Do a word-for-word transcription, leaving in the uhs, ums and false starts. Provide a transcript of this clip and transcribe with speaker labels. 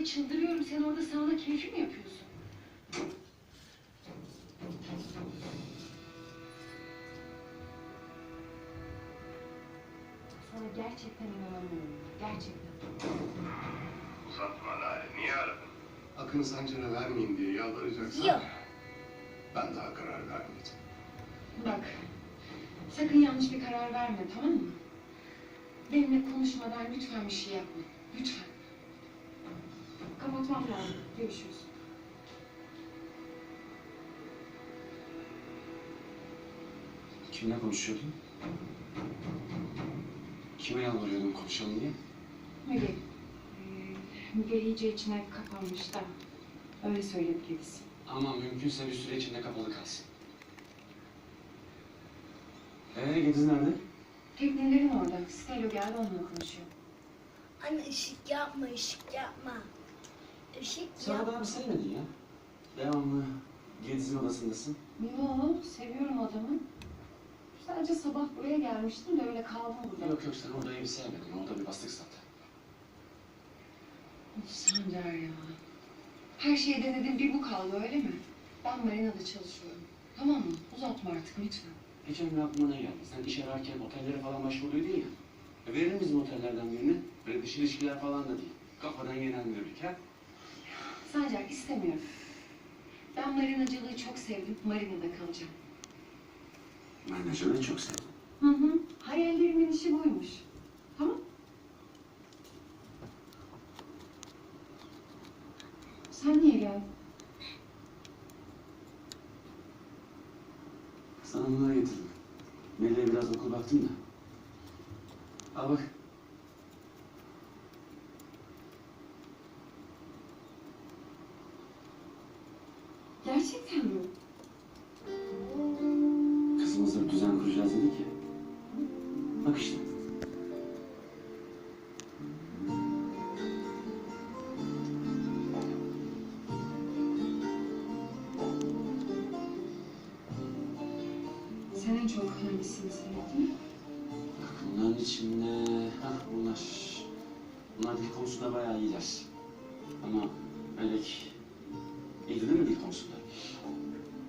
Speaker 1: çıldırıyorum. Sen orada sağda keyfi mi yapıyorsun? Sana gerçekten inanamıyorum. Gerçekten.
Speaker 2: Uzatma Lale, niye aradın?
Speaker 3: Akın Sancar'a vermeyin diye yalvaracaksan...
Speaker 4: Yok.
Speaker 3: Ben daha karar vermedim.
Speaker 1: Bak, sakın yanlış bir karar verme, tamam mı? Benimle konuşmadan lütfen bir şey yapma. Lütfen. Kapatmam lazım. Görüşürüz.
Speaker 5: Kimle konuşuyordun? Kime yalvarıyordun konuşalım diye?
Speaker 1: Müge. Ee, Müge iyice içine kapanmış da. Öyle söyledi kendisi.
Speaker 5: Ama mümkünse bir süre içinde kapalı kalsın. Ee, Gediz nerede?
Speaker 1: Teknelerin orada. Stelo geldi, onunla konuşuyor.
Speaker 4: Anne ışık yapma, ışık yapma. Işık
Speaker 5: Sen
Speaker 4: yapma.
Speaker 5: adamı sevmedin ya. Devamlı Gediz'in odasındasın.
Speaker 1: Yo, seviyorum adamı. Sadece sabah buraya gelmiştim de öyle kaldım burada.
Speaker 5: Yok yok, sen orada evi sevmedin. Orada bir bastık zaten.
Speaker 1: Of Sancar ya. Her şeyi denedim, bir bu kaldı öyle mi? Ben marinada çalışıyorum. Tamam mı? Uzatma artık lütfen.
Speaker 5: Geçen gün aklıma ne geldi? Sen iş ararken otellere falan başvuruydun ya. E verelim bizim otellerden birini. Böyle dış ilişkiler falan da değil. Kafadan yenen müdürlük ha.
Speaker 1: Sancar istemiyorum. Ben marinacılığı çok sevdim. Marinada kalacağım.
Speaker 5: Menajeri çok sevdim.
Speaker 1: Hı hı. Hayallerimin işi buymuş. Tamam. Sen niye geldin?
Speaker 5: Sana bunları getirdim. Melih'e biraz okul baktım da. Al bak.
Speaker 1: Gerçekten mi?
Speaker 5: Kızımızla bir düzen kuracağız dedik ya. Bak işte.
Speaker 1: Sen en çok hangisini sevdin?
Speaker 5: Bunların içinde... Hah bunlar... Bunlar dil konusunda bayağı iyiler. Ama Melek... İyi değil mi dil konusunda?